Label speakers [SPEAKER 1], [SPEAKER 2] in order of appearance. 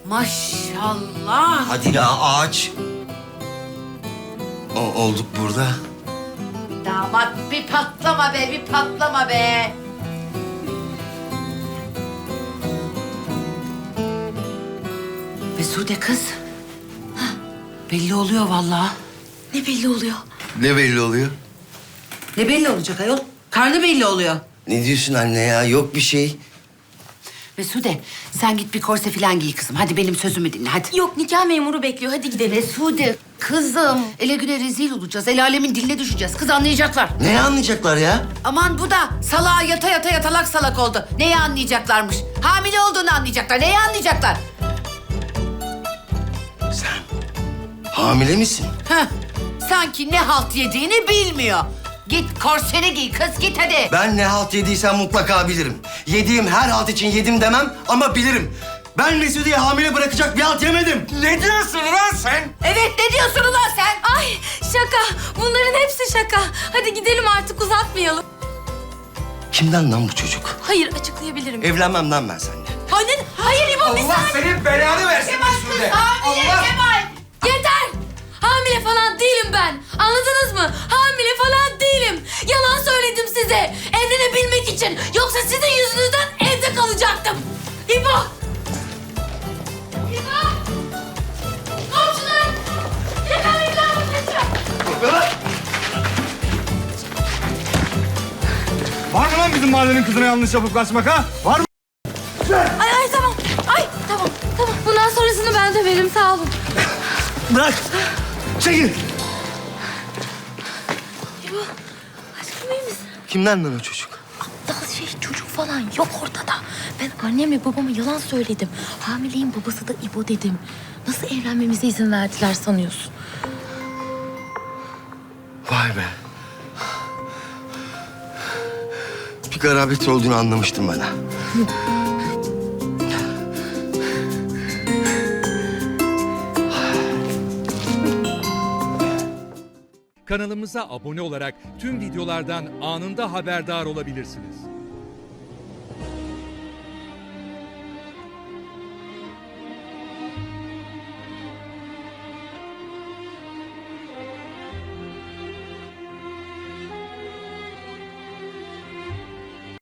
[SPEAKER 1] Maşallah.
[SPEAKER 2] Hadi ya ağaç. Olduk burada.
[SPEAKER 1] Damat bir patlama be, bir patlama be. Mesude kız. Hah, belli oluyor vallahi.
[SPEAKER 3] Ne belli oluyor?
[SPEAKER 2] Ne belli oluyor?
[SPEAKER 1] Ne belli olacak ayol? Karnı belli oluyor.
[SPEAKER 2] Ne diyorsun anne ya? Yok bir şey.
[SPEAKER 1] Mesude sen git bir korse falan giy kızım. Hadi benim sözümü dinle hadi.
[SPEAKER 3] Yok, nikah memuru bekliyor. Hadi gidelim.
[SPEAKER 1] Mesude kızım. Ele güne rezil olacağız. El alemin diline düşeceğiz. Kız anlayacaklar.
[SPEAKER 2] Ne anlayacaklar ya?
[SPEAKER 1] Aman bu da salağa yata yata yatalak salak oldu. Neyi anlayacaklarmış? Hamile olduğunu anlayacaklar. Neyi anlayacaklar?
[SPEAKER 2] Sen hamile misin?
[SPEAKER 1] Heh, sanki ne halt yediğini bilmiyor. Git korseni giy kız git hadi.
[SPEAKER 2] Ben ne halt yediysem mutlaka bilirim. Yediğim her halt için yedim demem ama bilirim. Ben Mesude'yi hamile bırakacak bir halt yemedim. Ne diyorsun lan sen?
[SPEAKER 1] Evet ne diyorsun ulan sen?
[SPEAKER 3] Ay şaka. Bunların hepsi şaka. Hadi gidelim artık, uzatmayalım.
[SPEAKER 2] Kimden lan bu çocuk?
[SPEAKER 3] Hayır, açıklayabilirim.
[SPEAKER 2] Evlenmem lan ben seninle.
[SPEAKER 3] Hayır İbo, bir
[SPEAKER 4] Allah
[SPEAKER 3] saniye.
[SPEAKER 4] senin belanı versin Mesude.
[SPEAKER 1] Hamile
[SPEAKER 4] Allah.
[SPEAKER 1] Kemal.
[SPEAKER 3] Yeter! Hamile falan değilim ben. Anladınız mı? Hamile falan değilim. Yalan söyledim size. Evlenebilmek için. Yoksa sizin yüzünüzden evde kalacaktım. İbo! İbo! Komşular! Yakalayın lan bu çocuğu.
[SPEAKER 4] Var mı lan bizim mahallenin kızına yanlış yapıp kaçmak ha? Var mı?
[SPEAKER 3] Ay tamam. Ay tamam. Bundan sonrasını ben de veririm, sağ olun.
[SPEAKER 2] Bırak. Çekil.
[SPEAKER 3] İbo, aşkım iyi misin?
[SPEAKER 2] Kimden lan o çocuk?
[SPEAKER 3] Daha çocuk falan yok ortada. Ben annemle babama yalan söyledim. Hamileyim, babası da İbo dedim. Nasıl evlenmemize izin verdiler sanıyorsun?
[SPEAKER 2] Vay be. Bir garabet olduğunu anlamıştım ben ha.
[SPEAKER 5] Kanalımıza abone olarak tüm videolardan anında haberdar olabilirsiniz.